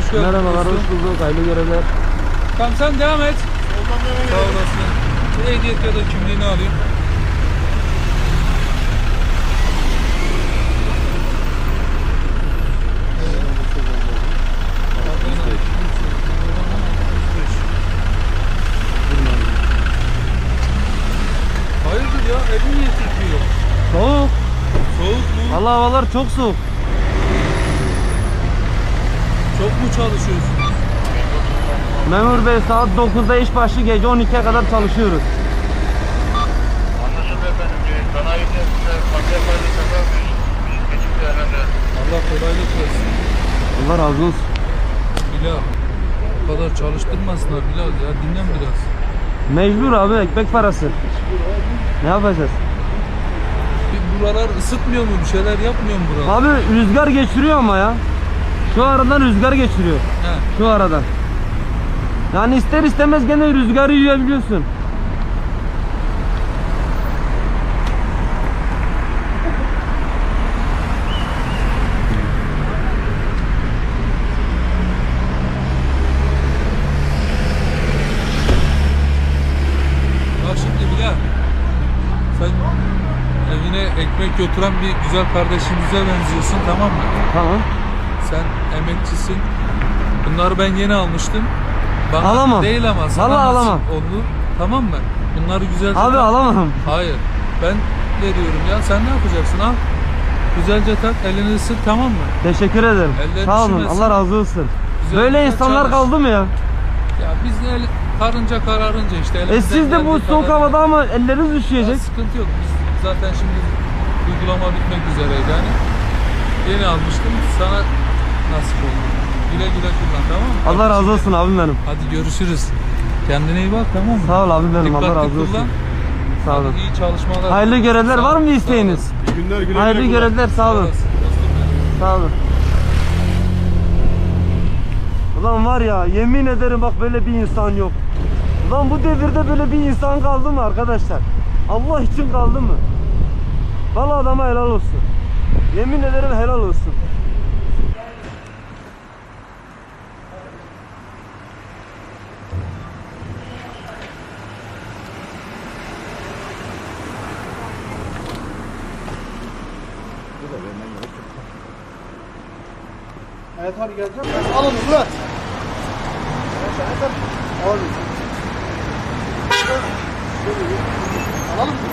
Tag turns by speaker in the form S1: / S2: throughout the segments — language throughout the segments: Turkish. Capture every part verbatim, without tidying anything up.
S1: hoş geldin.
S2: Merhabalar, hoş bulduk. Hayırlı görevler.
S1: Tamam sen devam et. Sağ olasın. Bir ehliyet ya da kimliğini alayım. Hayırdır ya? Evin niye titriyor?
S2: Soğuk.
S1: Soğuk mu?
S2: Allah havalar çok soğuk.
S1: Çok mu çalışıyorsun?
S2: Memur Bey, saat dokuzda iş başı, gece on ikiye kadar çalışıyoruz.
S3: Anlaşıldı efendim. Sanayide paket paylaşımda geçip değerlendirelim.
S1: Allah kolaylık versin.
S2: Allah razı olsun.
S1: Bilal. Bu kadar çalıştırmasınlar Bilal ya. Dinlen biraz.
S2: Mecbur abi, ekmek parası. Ne yapacağız?
S1: Bir buralar ısıtmıyor mu? Bir şeyler yapmıyor mu buralar?
S2: Abi rüzgar geçiriyor ama ya. Şu aradan rüzgar geçiriyor.
S1: He.
S2: Şu aradan. Yani ister istemez gene rüzgarı yiyebiliyorsun.
S1: Bak şimdi Bilal. Sen evine ekmek götüren bir güzel kardeşimize benziyorsun, tamam mı?
S2: Tamam.
S1: Sen emekçisin. Bunları ben yeni almıştım. Bana
S2: Alamam.
S1: değil ama sana
S2: Vallahi
S1: nasip
S2: alamam.
S1: oldu. Tamam mı? Bunları güzelce
S2: Abi
S1: tak.
S2: alamam.
S1: Hayır. Ben veriyorum ya. Sen ne yapacaksın? Al. Güzelce tak. Elini ısır, tamam mı?
S2: Teşekkür ederim.
S1: Ellerini
S2: Sağ olun.
S1: üşümesin.
S2: Allah razı olsun.
S1: Güzel
S2: Böyle
S1: güzel
S2: insanlar
S1: çalış.
S2: kaldı mı ya?
S1: Ya biz de el, karınca kararınca işte.
S2: E
S1: elimizden
S2: siz de bu
S1: geldiği
S2: soğuk
S1: kadar-
S2: havada ama elleriniz
S1: Ya
S2: üşüyecek.
S1: sıkıntı yok. Biz zaten şimdi uygulama bitmek üzereydi yani. Yeni almıştım. Sana nasip oldu. Güle güle kullan, tamam mı?
S2: Allah razı olsun abim benim.
S1: Hadi görüşürüz. Kendine iyi bak, tamam mı?
S2: Sağ ol abim benim. Allah
S1: Dikkatli
S2: razı olsun.
S1: kullan.
S2: Sağ olun.
S1: Hadi iyi çalışmalar.
S2: Hayırlı görevler.
S1: Sağ
S2: Var
S1: ol,
S2: mı bir
S1: sağ
S2: isteğiniz?
S1: olasın.
S3: Günler güle
S2: Hayırlı görevler. Sağ olun.
S1: olasın, dostum benim.
S2: Sağ olun. Ulan var ya, yemin ederim bak, böyle bir insan yok. Ulan bu devirde böyle bir insan kaldı mı arkadaşlar? Allah için kaldı mı? Vallahi adama helal olsun. Yemin ederim helal olsun.
S4: Evet hadi geleceğim. Alın Murat. Alın. Alalım mı?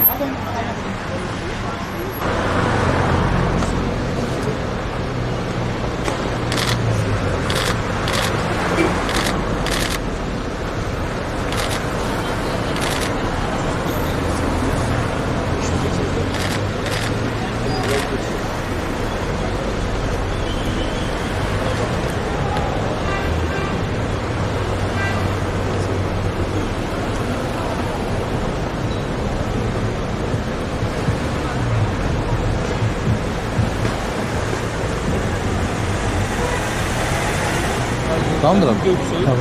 S1: Tamamdır abi. Tamam.